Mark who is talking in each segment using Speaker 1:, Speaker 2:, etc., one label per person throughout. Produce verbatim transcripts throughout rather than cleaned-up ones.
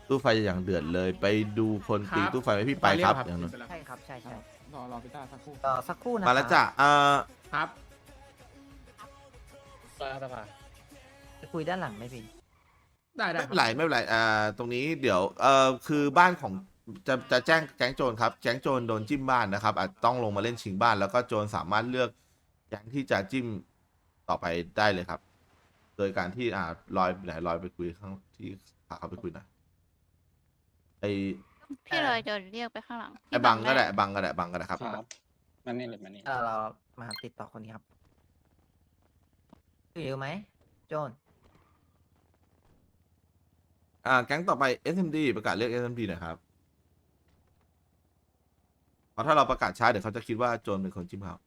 Speaker 1: ตู้ไฟอย่างเดือดเลยไปดูคนตี
Speaker 2: ครับ
Speaker 1: ตู้ไฟไหมพี่ไปครับ
Speaker 2: ไปเรียกครับ
Speaker 1: อย่างนั้น
Speaker 3: ใช่ครับใช่ใช่
Speaker 2: รอรอพี่ต้าสักครู่
Speaker 3: ต่อสักครู่นะ
Speaker 1: มาแล้วจ้ะเอ่อ
Speaker 2: ครับ
Speaker 3: จะคุยด้านหลังไหมพี่
Speaker 2: ได้ได้
Speaker 1: ไม่เป็นไรไม่เป็นไรอ่าตรงนี้เดี๋ยวเอ่อคือบ้านของจะจะแจ้งแก๊งโจรครับแก๊งโจรโดนจิ้มบ้านนะครับอาจต้องลงมาเล่นชิงบ้านแล้วก็โจรสามารถเลือกแก๊งที่จะจิ้มต่อไปได้เลยครับ โดยการที่อ่าลอยไหนลอยไปคุยข้างที่พาเขาไปคุยหน่อยไอ
Speaker 4: พี่เลยเดินเรียกไปข้างหลัง
Speaker 1: ไอบังก็ได้บังก็ได้บังก็ได้ครับ
Speaker 5: ครับมันนี่เลยมันนี่
Speaker 3: เออเรามาติดต่อคนนี้ครับอยู่ไหมโจน
Speaker 1: อ่าแก๊งต่อไป เอส เอ็ม ดี ประกาศเรียก เอส เอ็ม ดี หน่อยครับเพราะถ้าเราประกาศช้าเดี๋ยวเขาจะคิดว่าโจรเป็นคนจิ้มเขา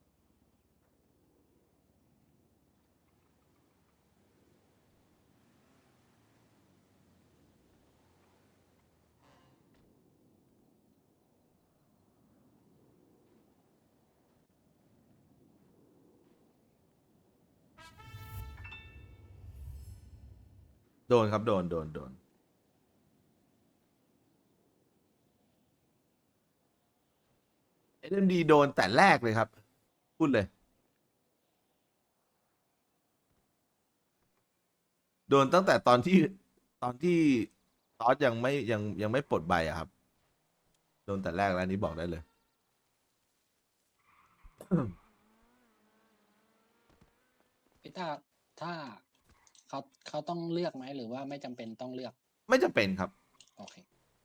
Speaker 1: โดนครับโดนโดนโดน เอส เอ็ม ดี โดนแต่แรกเลยครับ พูดเลย โดนตั้งแต่ตอนที่ตอนที่ตอสยังไม่ยังยังไม่ปลดใบอะครับ โดนแต่แรกแล้วอันนี้บอกได้เลย
Speaker 5: พี่ต้าถ้าเขาเขาต้องเลือกไหมหรือว่าไม่จำเป็นต้องเลือก
Speaker 1: ไม่จำเป็นครับ
Speaker 5: โอเค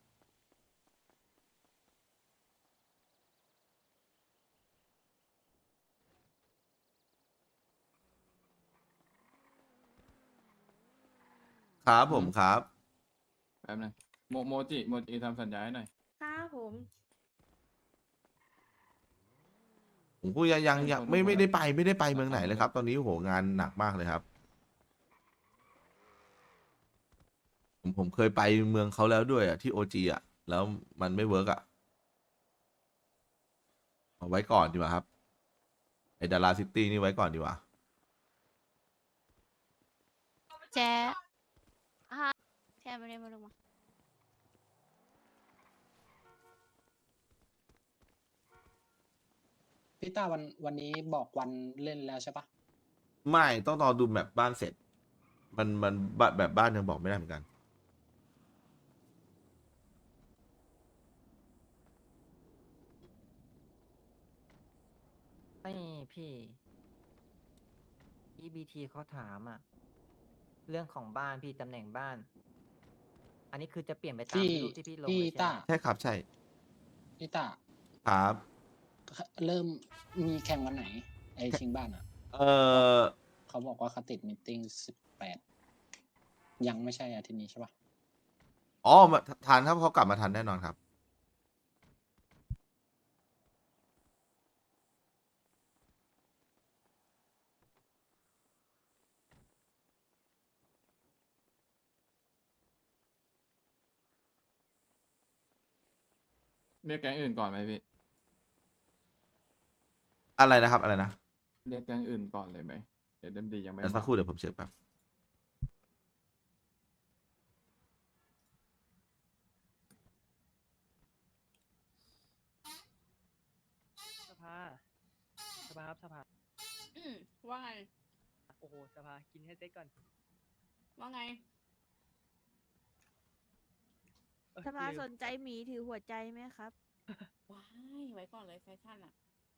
Speaker 1: ครับผมครับ
Speaker 2: แป๊บนึงโมโมจิโมจิทำสัญญาให้หน่อย
Speaker 4: ครับผม
Speaker 1: ผมพูดยังยังยังไม่ไม่ได้ไปไม่ได้ไปเมืองไหนเลยครับ ตอนนี้โหงานหนักมากเลยครับ ผมผมเคยไปเมืองเขาแล้วด้วยอ่ะที่โอจีอ่ะ แล้วมันไม่เวิร์กอ่ะเอาไว้ก่อนดีกว่าครับไอดาราซิตี้นี่ไว้ก่อนดีกว่า
Speaker 4: แจ๊ฮะแจ๊ไม่ได้มาลงมา
Speaker 5: พี่ต้าวันวันนี้บอกวันเล่นแล้วใช่ปะ
Speaker 1: ไม่ต้องรอดูแบบบ้านเสร็จ มันมันแบบแบบบ้านยังบอกไม่ได้เหมือนกัน
Speaker 3: ไม่พี่ อี บี ที เขาถามอะเรื่องของบ้านพี่ตำแหน่งบ้าน อันนี้คือจะเปลี่ยนไปตาม
Speaker 5: พี่
Speaker 3: รูปที่พี่ลง
Speaker 5: พี่
Speaker 3: เลยใช่
Speaker 5: ต้า
Speaker 3: ไหม
Speaker 1: ใช่ครับใช่
Speaker 5: พี่ต้า
Speaker 1: ครับ
Speaker 5: เริ่มมีแข่งวันไหน ไอชิงบ้านอ่ะ
Speaker 1: เออ
Speaker 5: เขาบอกว่าเขาติดมีตติ้งสิบแปดยังไม่ใช่อาทิตย์นี้ใช่ปะ
Speaker 1: อ๋อมาทันครับเขากลับมาทันแน่นอนครับ
Speaker 2: เรียกแก๊งอื่นก่อนไหมพี่
Speaker 1: อะไรนะครับอะไรนะ
Speaker 2: เรียกแก๊งอื่นก่อนเลยไหมเดี๋ยวเดมดียังไม่
Speaker 1: เดี๋ยวสัก
Speaker 2: มา
Speaker 1: ครู่เดี๋ยวผมเช็คแป๊บ
Speaker 6: สภาสภาครับสภา
Speaker 4: อืมว่าไง
Speaker 6: โอ้โหสภากินให้เซ็ตก่อน
Speaker 4: ว่าไง
Speaker 6: เอ้ย
Speaker 7: สภา
Speaker 6: ลืม
Speaker 7: สนใจหมีถือหัวใจไหมครับ
Speaker 4: ว้ายไว้ก่อนเลยแฟชั่นอ่ะ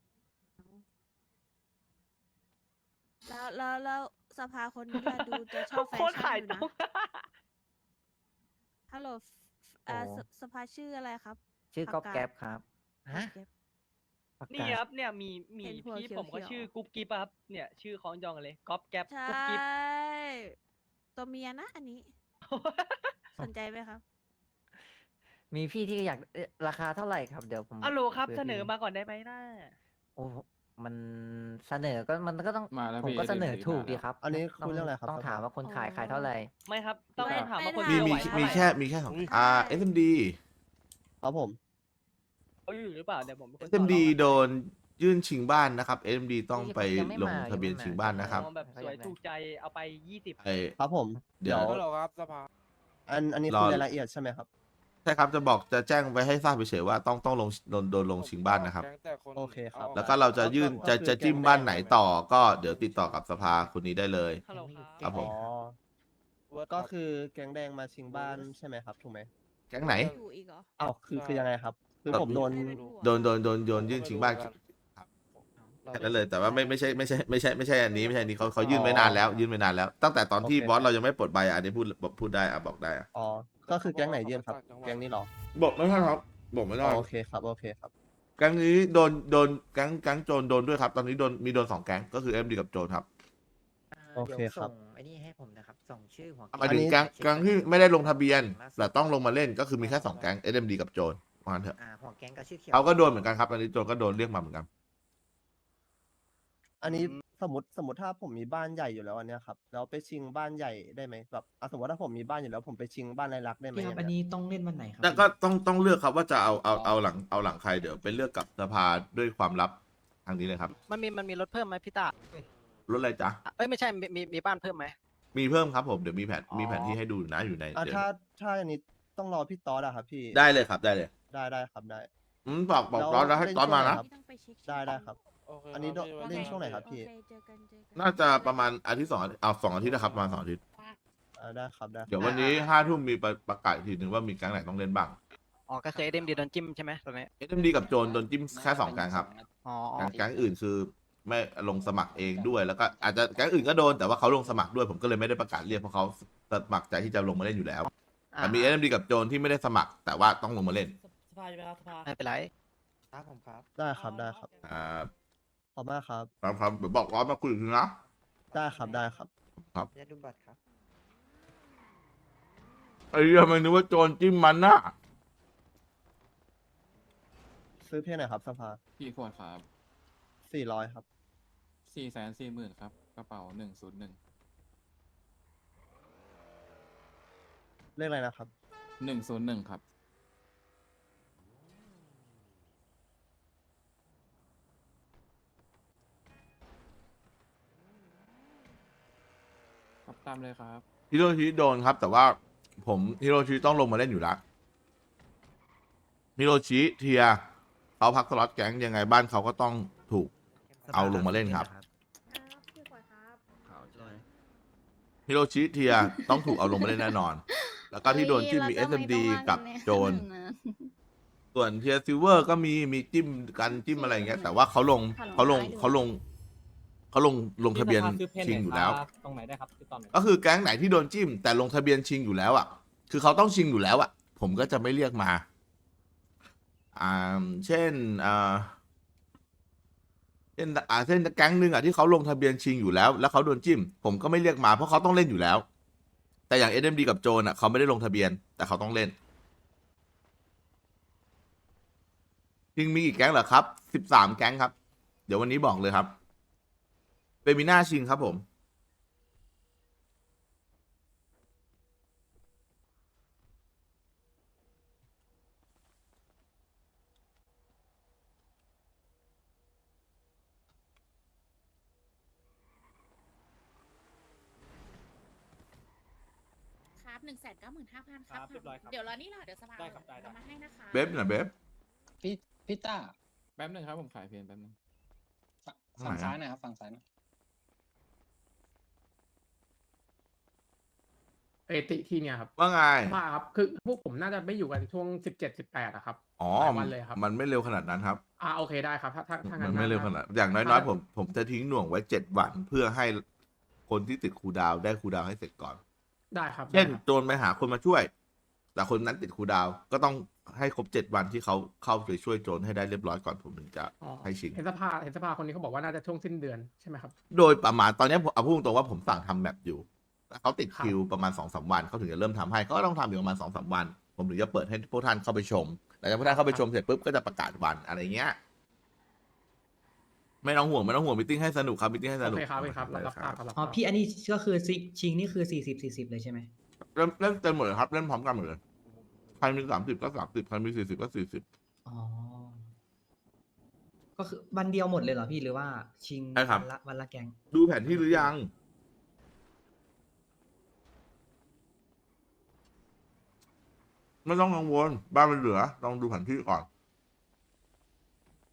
Speaker 7: แล้วแล้วแล้วสภาคนนี้ล่ะดูจะชอบแฟ
Speaker 6: โคตร
Speaker 7: ชั่
Speaker 6: ขาย
Speaker 7: นอยู่
Speaker 6: ตร
Speaker 7: นะ
Speaker 6: ง
Speaker 7: ฮัลโหลเอ่อสสภาชื่ออะไรครับ
Speaker 3: ชื่อ
Speaker 7: ปาก
Speaker 3: ก๊อฟ
Speaker 7: กา
Speaker 3: แก๊ปครับฮะ
Speaker 7: เก็บ
Speaker 3: ปาก
Speaker 6: นี่
Speaker 3: กา
Speaker 6: ครับเนี่ยมีมี
Speaker 7: เห็นหัว
Speaker 6: พี่
Speaker 7: เขียว
Speaker 6: ผมก็
Speaker 7: ๆ
Speaker 6: ชื่อกุ๊บกิ๊บอะครับเนี่ยชื่อคล้องจองกันเลยก๊อฟแก๊ป
Speaker 7: ใช่
Speaker 6: กุ๊บกิ๊บ
Speaker 7: ตัวเมียนะอันนี้ สนใจไหมครับ
Speaker 3: มีพี่ที่อยากเอ๊ะราคาเท่าไหร่ครับเดี๋ยวผม
Speaker 6: อัลโหลครับ
Speaker 3: คุย
Speaker 6: เส
Speaker 3: กับ
Speaker 6: นอ
Speaker 3: พี่
Speaker 6: มาก่อนได้ไหมน่า
Speaker 3: โอ้มันเสนอก็มันก็ต้อง
Speaker 2: มาแล้ว
Speaker 3: ผม
Speaker 2: พี่
Speaker 3: ก็เสนอ
Speaker 2: เดี๋ยว
Speaker 3: ถูก
Speaker 2: มา
Speaker 3: ดี
Speaker 2: แล้ว
Speaker 3: ครับ
Speaker 8: อันนี้
Speaker 3: ต้
Speaker 8: คุยเรื่องอะไรครับ
Speaker 3: ต้องถามว่าคน
Speaker 7: อ๋อ
Speaker 3: ขายขายเท่าไหร่
Speaker 6: ไม่ครับต้อง
Speaker 7: ไม่
Speaker 6: ต้องถามว่า
Speaker 7: ไม่
Speaker 6: คน
Speaker 1: มี
Speaker 6: เดียว
Speaker 1: มี
Speaker 6: ไหวเท่า
Speaker 1: มี
Speaker 6: ไหร่
Speaker 1: แค่มีแค่สองอ่า เอส เอ็ม ดี
Speaker 8: ครับผม
Speaker 6: เขาอยู่หรือเปล่าเดี๋ยวผมเป็นคน
Speaker 1: เอส เอ็ม ดี โดนยื่นชิงบ้านนะครับ เอส เอ็ม ดี ต้องไป
Speaker 3: ยังไม่
Speaker 1: ลง
Speaker 3: มา
Speaker 1: ทะเบียน
Speaker 3: ยังไม่มา
Speaker 1: ชิงบ้านนะครับ
Speaker 6: มองแบบสวยถูกใจเอาไปยี่สิบ
Speaker 1: ไอ
Speaker 8: ครับผม
Speaker 1: เดี๋ยว
Speaker 8: ฮัลโหลครับสภา
Speaker 1: ไอ
Speaker 8: อันอันนี้
Speaker 1: รอ
Speaker 8: คือรายละเอียดใช่ไหมครับ
Speaker 1: ใช่ครับจะบอกจะแจ้งไว้ให้ทราบเฉยๆว่าต้องต้องลงโดนโดนลงชิงบ้านนะครับ
Speaker 8: โอเคครับ
Speaker 1: แล้วก็เราจะยื่นจะจะจิ้มบ้านไหนต่อก็เดี๋ยวติดต่อกับสภาคนนี้ได้เลย
Speaker 6: ฮัลโหลครับ
Speaker 1: ครับผม
Speaker 8: อ๋อก็คือแก๊งแดงมาชิงบ้านใช่ไหมครับถูกไหม
Speaker 1: แก๊งไหน
Speaker 7: อยู่อีกเหรอ
Speaker 8: อ้าวคือคือยังไงครับ คือผมโดน
Speaker 1: โดนโดนโดนโดนยื่นชิงบ้านครับแค่นั้นเลยแต่ว่าไม่ไม่ใช่ไม่ใช่ไม่ใช่ไม่ใช่อันนี้ไม่ใช่อันนี้เขาเขายื่นไว้นานแล้ว ยื่นไว้นานแล้ว ตั้งแต่ตอนที่
Speaker 8: โอเค
Speaker 1: บอสเรายังไม่ปลดใบอ่ะอันนี้พูดพูดได้อ่ะบอกได้อ่ะ
Speaker 8: อ๋อ ก็คือแก๊งไหนยื่นครับ แก๊งนี้เหรอ
Speaker 1: บอกไม่ได้ครับบอกไม่
Speaker 8: อ๋
Speaker 1: ได้
Speaker 8: อโอเคครับ โอเคครับ
Speaker 1: แก๊งนี้โดนโดนแก๊งแก๊งโจรโดนด้วยครับ ตอนนี้โดนมีโดนสองแก๊งก็คือเอ็มดีกับโจรครับ
Speaker 8: โอเคครับ
Speaker 3: ดี๋ยวส่งไอ้นี่ให้ผมนะครับ ส่งชื่อหัว
Speaker 1: หมายถึง
Speaker 8: อันนี้
Speaker 1: แก๊งแก๊งที่ไม่ได้ลงทะเบียนแต่ต้องลงมาเล่นก็คือมีแค่สองแก๊งเอ็มดีกับโจรว่างั้นเถอะ
Speaker 3: อ่าหัวแก๊งกับชื่อเขียว
Speaker 1: เขาก็โดนเหมือนกันครับตอนนี้โจรก็โดนเรียกมาเหมือนกัน
Speaker 8: อันนี้สมมติสมมติถ้าผมมีบ้านใหญ่อยู่แล้วอันเนี้ยครับ แล้วไปชิงบ้านใหญ่ได้ไหมแบบอ่ะสมมติถ้าผมมีบ้านอยู่แล้วผมไปชิงบ้านรายลักษณ์ได้ไหม
Speaker 9: พี่ครับ
Speaker 8: ย่าง
Speaker 9: อัน
Speaker 8: เงี้ย
Speaker 9: นี้ต้องเล่นวันไหนครั
Speaker 1: แล้วก็ต้องต้องเลือกครับว่าจะเอาเอาเอาหลังเอาหลังใครเดี๋ยวไปเลือกกับสภาด้วยความลับทางนี้เลยครับ
Speaker 6: มันมีมันมีรถเพิ่มไหมพี่ตาร
Speaker 1: ถอะไรจ๊ะ
Speaker 6: เอ้ยไม่ใช่มีมีมีบ้านเพิ่มไหม
Speaker 1: มีเพิ่มครับผมเดี๋ยวมีแผน
Speaker 6: อ๋อ
Speaker 1: มีแผนที่ให้ดูนะอยู่ใน
Speaker 8: อ่ะ
Speaker 1: เดี๋ยว
Speaker 8: ถ้าถ้าอันนี้ต้องรอพี่ต๊อดอะครับพี่
Speaker 1: ได้เลยครับได้เลย
Speaker 8: ได้ได้ครับได้
Speaker 1: อืมบอกบอก
Speaker 8: แล้ว
Speaker 1: ร้อนแล้วให้
Speaker 8: เล่น
Speaker 1: ตอนมา
Speaker 8: ช่วงไหน
Speaker 1: นะ
Speaker 8: ครับ
Speaker 7: ต้องไปเช็ค
Speaker 8: ได้ได้ครับ อันนี้โดเล่นช่วงไหนครับพี่
Speaker 7: โอเคเจอกันเจอกัน
Speaker 1: น่าจะประมาณอาทิตย์สองอาทิตย์เอาสองอาทิตย์นะครับประมาณสองอาทิตย์
Speaker 8: อ่าได้ครับได้ครับ
Speaker 1: เดี๋ยววันนี้ห้าทุ่มมีประประกาศอีกทีหนึ่งว่ามีแก๊งไหนต้องเล่นบ้าง
Speaker 6: อ๋อก็คือเอ็มดีโดนจิ้มใช่ไหมตอนนี้
Speaker 1: เอ็มดีกับโจรโดนจิ้มแค่สองแก๊งครับ
Speaker 6: อ๋อ
Speaker 1: แก๊งแก๊งอื่นคือไม่ลงสมัครเองด้วย แล้วก็อาจจะแก๊งอื่นก็โดนแต่ว่าเขาลงสมัครด้วยผมก็เลยไม่ได้ประกาศเรียกเพราะเขาสมัครใจที่จะลงมาเล่นอยู่แล้วแต่มีเอ็มดีกับโจรที่ไม่ได้สมัคร แต่ว่าต้องลงมาเล่น
Speaker 6: สภาใช่ไหมครับสภาไม่เป็นไร
Speaker 3: ครับผมครับ
Speaker 8: ได้ครับได้ครับ
Speaker 1: อ่า
Speaker 8: ขอบมากครับ
Speaker 1: ครับครับเดี๋ยวบอกร้อนมาคุยอีกทีนะ
Speaker 8: ได้ครับได้ครับ
Speaker 3: จะดูบัตรครับ
Speaker 1: ไอ้เรื่องมันนึกว่าโจรจิ้มมันนะ
Speaker 8: ซื้อเพลงไหนครับสภา
Speaker 2: กี่ขวดครับ
Speaker 8: สี่ร้อยครับ
Speaker 2: สี่แสนสี่หมื่นครับกระเป๋าหนึ่งศูนย์หนึ่ง
Speaker 8: เลขอะไรนะครับ
Speaker 2: หนึ่งศูนย์หนึ่งครับครับตามเลยครับ
Speaker 1: ฮิโรชิโดนครับ แต่ว่าผมฮิโรชิต้องลงมาเล่นอยู่แล้วฮิโรชิเทียเขาพักสล็อตแก๊งยังไงบ้านเขาก็ต้องถูก เอาลงมาเล่นครับ
Speaker 7: พี่กวดครับ
Speaker 1: ฮิโรชิเทียต้องถูกเอาลงมาเล่นแน่นอน แล้วก็ที่โดนจิ้มมี เอส เอ็ม ดี กับโจรส่วนเทียซิลเวอร์ก็มีมีจิ้มกันจิ้มอะไรอย่างเงี้ยแต่ว่าเขาลงเขาลงเขาลงเขาลงลงทะเบียนชิงอยู่แล้ว
Speaker 6: ตรงไหนได้ครับติดต่อหน่อย
Speaker 1: ก็คือแก๊งไหนที่โดนจิ้ม แต่ลงทะเบียนชิงอยู่แล้วอ่ะ คือเขาต้องชิงอยู่แล้วอ่ะ ผมก็จะไม่เรียกมา อ่า เช่น อ่า เช่น อ่า เช่นแก๊งหนึ่งอ่ะที่เขาลงทะเบียนชิงอยู่แล้ว แล้วเขาโดนจิ้ม ผมก็ไม่เรียกมาเพราะเขาต้องเล่นอยู่แล้ว แต่อย่าง เอ็ม ดี กับโจนอ่ะเขาไม่ได้ลงทะเบียน แต่เขาต้องเล่น ชิงมีกี่แก๊งเหรอครับ สิบสามแก๊งครับ เดี๋ยววันนี้บอกเลยครับ เฟมิน่าชิงครับผม
Speaker 4: ครับหนึ่งแสนเก้าหมื่นห้าพันค
Speaker 6: ครั
Speaker 4: รับบ
Speaker 6: เรียบร้อยครับ
Speaker 4: เดี๋ยวรอนี่รอเดี๋ยวสภา
Speaker 6: ได้ครับได้ได้
Speaker 4: เอามาให้นะคะ
Speaker 1: เบฟน่ะเบฟ
Speaker 5: พี่พี่ต้า
Speaker 2: แป๊บหนึงครับผมขายเพลงแป๊บหนึง
Speaker 5: ฝั่ง
Speaker 1: ไหนอะ
Speaker 5: ซ้ายหนะครับฝั่งซ้ายหนะ
Speaker 10: เอติที่เนี่ยครับ
Speaker 1: ว่าไง
Speaker 10: ว่าครับคือพวกผมน่าจะไม่อยู่กันช่วงสิบเจ็ดสิบแปดอะครับ
Speaker 1: อ๋อ
Speaker 10: หลายวันเลยครับ
Speaker 1: มันไม่เร็วขนาดนั้นครับ
Speaker 10: อ่าโอเคได้ครับถ้าถ้าถ้างั้
Speaker 1: มัน นไม่เร็วขนาด อย่างน้อยๆผมผมจะทิ้งหน่วงไว้เจ็ดวันเพื่อให้คนที่ติดครูดาวได้ครูดาวให้เสร็จก่อน
Speaker 10: ได้ครับ
Speaker 1: เช่น
Speaker 10: ได้ครับ
Speaker 1: โจรไปหาคนมาช่วย แต่คนนั้นติดครูดาว ก็ต้องให้ครบเจ็ดวันที่เขาเข้าไปช่วยโจรให้ได้เรียบร้อยก่อนผมถึงจะ
Speaker 10: อ๋อ
Speaker 1: ให้ชิง
Speaker 10: เห็นสภาเห็นสภาคนนี้เขาบอกว่าน่าจะช่วงสิ้นเดือนใช่ไหมครับ
Speaker 1: โดยประมาณตอนนี้ผมเอาพูดตรงๆว่าผมสั่งทำแบบอยู่แต่เขาติด
Speaker 10: ครับ
Speaker 1: คิวประมาณสองสามวันเขาถึงจะเริ่มทำให้เขาก็ต้องทำอยู่ประมาณสองสามวัน ผมถึงจะเปิดให้พวกท่านเข้าไปชมหลังจากพวกท่านเข้าไปชมเสร็จปุ๊บก็จะประกาศวันอะไรเงี้ย ไม่ต้องห่วงไม่ต้องห่วงมิทติ้งให้สนุกครับมิทติ้งให้ส
Speaker 10: โอ
Speaker 1: นุก
Speaker 10: เคครับโอเคครับรับรับทราบครับรับท
Speaker 9: อ๋อ
Speaker 10: ราบ
Speaker 9: พี่อันนี้ก็คือซิชิงนี่คือสี่สิบสี่สิบเลยใช่ไหม
Speaker 1: เล่นเล่นเต็มหมดเลยครับเล่นพร้อมกันหมดเลยใครมีสามสิบก็สามสิบใครมีสี่สิบก็สี่สิบ
Speaker 9: อ๋อ ก็คือวันเดียวหมดเลยเหรอพี่หรือว่าชิง
Speaker 1: ใช่ครับ
Speaker 9: วันละวันละแกง
Speaker 1: ดูแผนที่หรือยังไม่ต้องกังวลบ้านมันเหลือลองดูแผนที่ก่อน